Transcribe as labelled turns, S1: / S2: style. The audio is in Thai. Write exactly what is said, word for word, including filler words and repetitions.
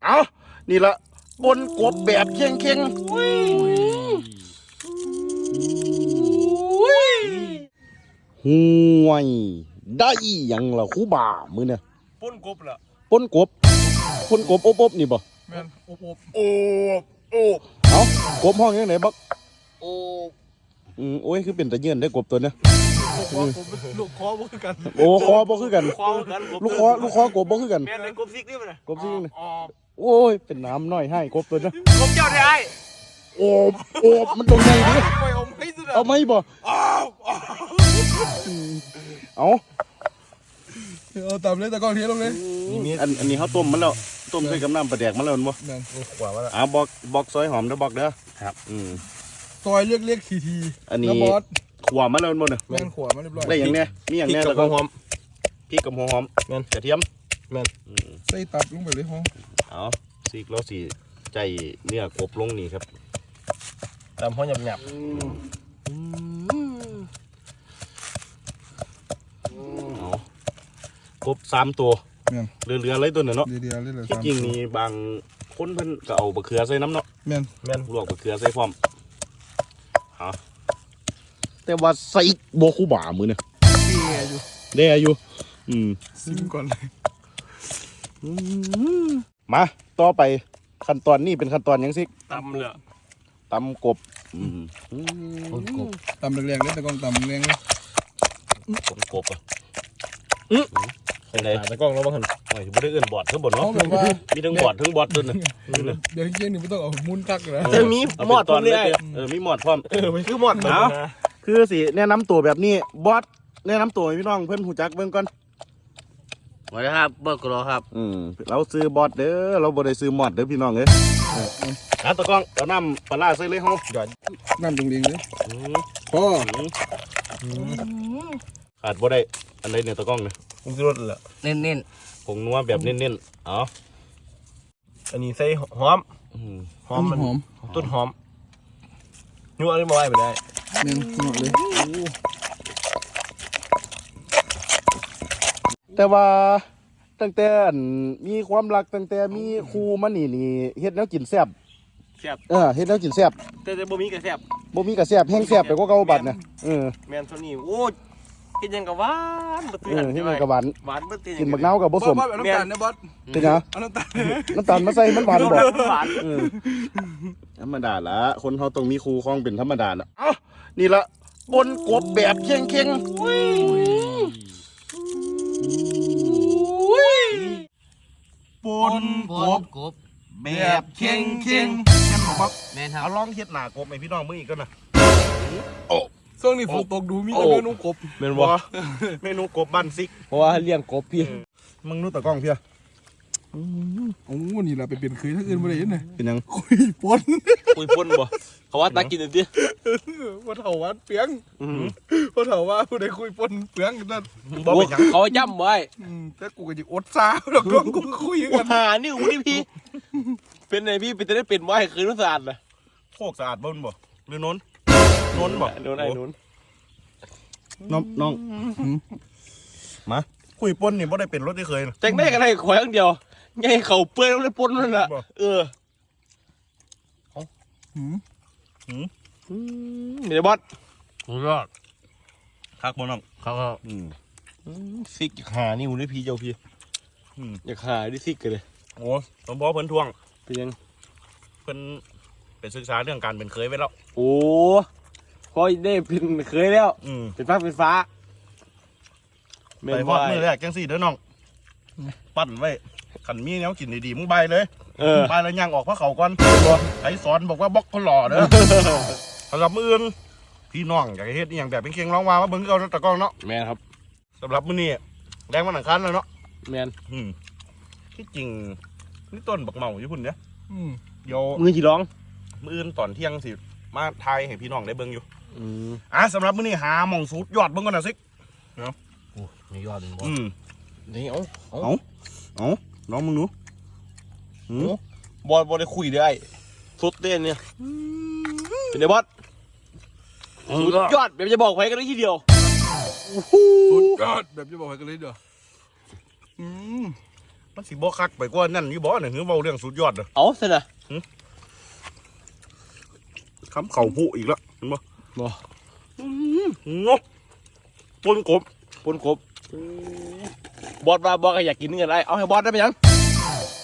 S1: เอานี่ละปนกบแบบเข่งเข่งห่วยได้ยังล่ะครูบ่ามือเนี่ย
S2: ปนกบล่ะ
S1: ปนกบปนกบอบๆนี่บ่
S2: แม่นอบอบ
S1: โอบโอบเอากบห้องยังไหนบัก
S2: โอบ
S1: อืมโอ้ยคือเป็นตะเยื่นได้กบตัวเนี้ย
S2: ลูกคอบ่คือกัน
S1: โอ้คอบ่คือกัน
S2: คอกัน
S1: ลูกคอลูกคอกบบ่คือกัน
S2: แม่นเลยกบซิกนี่มันน่ะ
S1: กบซิกนี่โอ้ยเป็นน้ำน้อยให้กบตัวเนี้ย
S2: กบเจ้าได้ไอ้
S1: โอบโอบมันตรงไหนดิ
S2: เอาไม่สุด
S1: เอาไม่บ่เอา
S2: เอาตามเลยตะกอนเทียลงเลย
S1: อันอันนี้เขาต้มมันแล้วต้มใส่กับน้ำปลาแดกมันแล้วมั้ง
S2: นั่นขวามาแล้ว
S1: อ่าบอกบอกซอยหอมเด้อบอกเด้อครับอืม
S2: ซอยเรียกเรียกทีที
S1: อันนี้ขวามาแล้วมั้งเนี่ย
S2: แม่นขวามาเรียบร้อย
S1: ได้อย่างเนี้ยมีอย่างเนี้ยแล้วก็
S2: หอม
S1: พริกกับหัวหอม
S2: แม่น
S1: กระเทียม
S2: แม่นใส่ตับลงไปเลยห้อง
S1: เอาสีแล้วสีใจเนื้อกบลงนี่ครับ
S2: ตามห้องหยับหยับ
S1: กบสามตัวเรือเรืออะไรตัวเนี่ยเนาะที่จริงนี่บางคนเพิ่นก็เอาบะเขือใส่น้ำเนาะ
S2: แม่น
S1: แม่นลวกบะเขือใส่พร้อมฮะแต่ว่าใส่โบคูบ่ามือเนี่ย
S2: เด้อยู่
S1: เด้อยู่อืม
S2: ซิมก่อนเลย
S1: มาต่อไปขั้นตอนนี้เป็นขั้นตอนยังสิ
S2: ตำเลย
S1: ตำกบอืม
S2: กบตำแรงๆเลยตะกองตำแรงเลย
S1: กบกบอ่ะอือเป็นไรตะกองเราบ้างหันโอ้ยไม่ได้เอื้อนบอดทั้งบอดเนาะมีทั้งบอดทั้งบอดด้วยนะ
S2: เดี๋ยวเย็นนี่ไม่ต้องเอามุนกักนะ
S1: จะมีหมอดพร้อมเลยเออมีหมอดพร้อม
S2: เออมันคือหมอด
S1: นะคือสิแนะนำตัวแบบนี้บอสแนะนำตัวพี่น้องเพื่อนหูจักเบิ่งก่อน
S3: สวัสดีครับเบิร์กรอครับ
S1: อืมเราซื้อบอสเด้อเราบ่ได้ซื้อหมอดเด้อพี่น้องเอ้ยอ่ะตะกองเอาน้ำปลาใส่เลยเฮาหยอด
S2: น้ำจริงๆเลยพ่อ
S1: ขาดบ่ได้อันใดเนี่ยตะกองเนี่ย
S2: ผงชูรสเหรอ
S3: เน้นเน้น
S1: ผงนัวแบบเน้นๆอ๋อ
S2: อันนี้ใส่หอมหอมมันหอมต้นหอมนัวอะไรมาไว้ไปได้เน้นหมดเลย
S1: แต่ว่าตั้งแต่มีความรักตั้งแต่มีครูมานี่นี่เฮ็ดแนวกินแซ่บ
S2: แซ่บ
S1: เออเฮ็ดแนวกินแซ่บ
S2: แต่แต่บ่มีกระแซ่บ
S1: บ่มีกระแซ่บแห้งแซ่บไปกว่าเก่าบัดน่ะเออ
S2: แม่นเท่านี้โอ้กินยังกับหวานบ่ตื้อ
S1: เออเฮ็ดยังกับหวาน
S2: หวานบ่ตื้อ
S1: กินบักนาวกับบ่สม
S2: เอาน้ำตาลนะบอส
S1: เป็นหยัง
S2: เอาน้ำตาล
S1: น้ำตาลมาใส่มันหวานบ่หวานเออธรรมดาละคนเฮาต้องมีครูครองเป็นธรรมดาน่ะเอ้านี่ละปนกบแบบเข่งๆปนกบ
S3: กบ
S2: แบบเข่งเข่งแม่นบอก
S3: แม่นครับ
S1: เอาลองเฮ็ดหน้ากบให้พี่น้องมึงอีกก่อนนะ
S2: โอ้ช่วงนี้ฝนตกดูมีแต่เมนูกบ
S1: แม่นบ่เมนูกบบ้านซิก
S3: เพราะว่าเลี้ยงกบพี่
S1: มึงนู้ตะกล้องเพี้ย
S2: โอ้นี่ล่ะไปเปลี่ยนคืนทั้งอื่นบ่ได้เห็นน่ะ
S1: เป็นยัง
S2: คุยปน
S3: คุยปนบ่เขาว่าตากินดิ
S2: บ่เฒ่าว่าเปียงบ่เฒ่าว่าผู้ใดคุยปนเปียงนั่น
S3: บ่เป็นหยังเขาย่ำไว้
S2: แต่กูก็สิอดซาดอกกูคุยกัน
S3: หานี่อูนี่พี่เป็นไงพี่เป็นจะได้เป็นไว้คืนสะอาดน่ะ
S1: โคกสะอาดบ่บ่หรือโน้นโน้นบ่
S3: โน้นไอ้โน้น
S1: น้องน้องมาคุยปนนี่บ่ได้เป็นรถที่เคย
S3: แจ้งได้กันได้ข่อยอย่างเดียวไงเขาเปื่อยแล้วได้ปนนั่นน่ะเออ
S2: หืม
S3: หืมมีแต่บอสสุดยอด
S1: คักบ่น้อง
S3: คักครับอืมซิกหานี่อูนี่พี่เจ้าพี่อืมอยากหาดิซิกกันเลย
S1: โอ้สมพอเพิ่นทวง
S3: เป็นยัง
S1: เพิ่นเป็นศึกษาเรื่องการเป็นเคยไว้แล้ว
S3: โอ้พอได้เป็นเคยแล้วเป็นฟ้าเป็นฟ้า
S1: ไปฮอดมือแรกจังสี่เด้อน้องปั้นไว้ขันมีแนวกินดีๆมึงใบเลยใบแล้วย่างออกพระเขาก่อนไอ้สอนบอกว่าบล็อกเขาหล่อเด้อสำหรับมืออื่นพี่น้องอยากเฮ็ดอย่างแบบเป็นเคียงร้องมาว่าเบิ่งเอาตะกล้องเนาะ
S3: แม่นครับ
S1: สำหรับมื้อนี้แรงมันหนังคันแล้วเนาะ
S3: แม่น
S1: ที่จริงนี่ต้นบักเมาอยู่พุ่นเนี่ยเดี๋ยว
S3: มือจีร้อง
S1: มื้ออื่นตอนเที่ยงสิมาทายให้พี่น้องได้เบิ่งอยู่อ่ะสำหรับมื้อนี้หาหม่องสูตรยอดเบิ่งก่อนนะซิ
S3: เนาะโอ้มียอดบ่
S1: อืม
S3: นี่เอา
S1: เอาเอาน้องมึงดู
S3: บอลบอลได้คุยได้สุดเต้นเนี่ยเป็นไงบอสสุดยอดแบบจะบอกไว้กันเลยทีเดียว
S2: สุดยอดแบบจะบอกไว้กันเลยเดียวอืม
S1: มันสิบ่คักไปกว่านั่นนี่บ่เนี่ยคือเว้าเรื่องสุดยอดเด้อ
S3: เอาสินะ
S1: คำเข่าผู้อีกแล้วเห็นบ่
S3: บ่
S1: งกปนกบ
S3: ปนกบ บอสว่าบอสก็อยากกินเงินไรเอาให้บอสได้ไหมยัง